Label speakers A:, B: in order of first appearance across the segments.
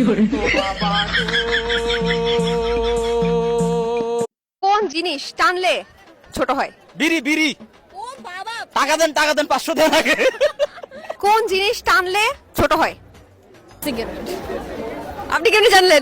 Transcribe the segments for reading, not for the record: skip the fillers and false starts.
A: কোন জিনিস টানলে ছোট হয়?
B: বিড়ি বিড়ি।
A: ও বাবা,
B: টাকা দেন 500 দেন আগে।
A: কোন জিনিস টানলে ছোট হয়? সিগারেট। আপনি কেমনি জানলেন?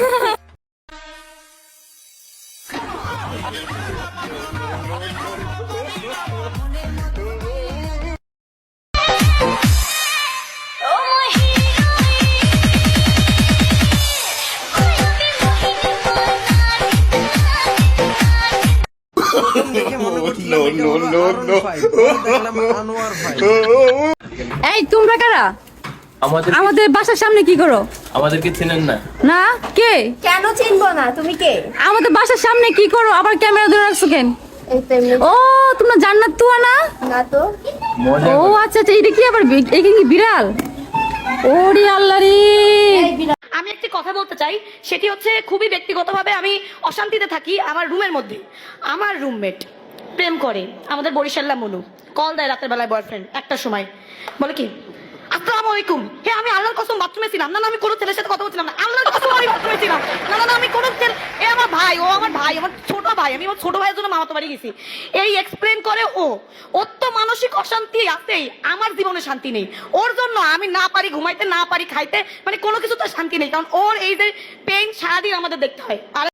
C: এই তোমরা কারা? আমাদের বাসার সামনে কি করো?
D: আমাদেরকে চেনেন না?
C: না, কে?
A: কেন চিনবো না? তুমি কে?
C: আমাদের বাসার সামনে কি করো? আবার ক্যামেরা ধরে রাখছো কেন?
A: এই তো এমনি।
C: ও তোমরা জান্নাত তুয়া না?
A: না তো।
D: মজা
C: ও আচ্ছা আচ্ছা, এটা কি আবার এটা কি বিড়াল? ওরে আল্লাহ রে।
E: আমি একটি কথা বলতে চাই, সেটি হচ্ছে খুবই ব্যক্তিগতভাবে আমি অশান্তিতে থাকি আমার রুমের মধ্যে। আমার রুমমেট প্রেম করে আমাদের বরিশাল্লা মনু, কল দেয় রাতের বেলায় বয়ফ্রেন্ড একটার সময়, বলে কি আসসালামু আলাইকুম। হে আমি আল্লাহর কসম বাথরুমে ছিলাম। না না আমি কোনো ছেলের সাথে কথা বলছিলাম না, আল্লাহর কসম আমি বাথরুমে ছিলাম। না না না আমি কোনো ছেলে, এ আমার ভাই, ও আমার ভাই, আমার ছোট ভাই, আমি আমার ছোট ভাইয়ের জন্য মামাতো বাড়ি গেছি। এই এক্সপ্লেন করে ও। ওর তো মানসিক অশান্তি আছেই, আমার জীবনে শান্তি নেই। ওর জন্য আমি না পারি ঘুমাইতে, না পারি খাইতে, মানে কোনো কিছু তো শান্তি নেই, কারণ ওর এই যে পেইন সারাদিন আমাদের দেখতে হয়। আর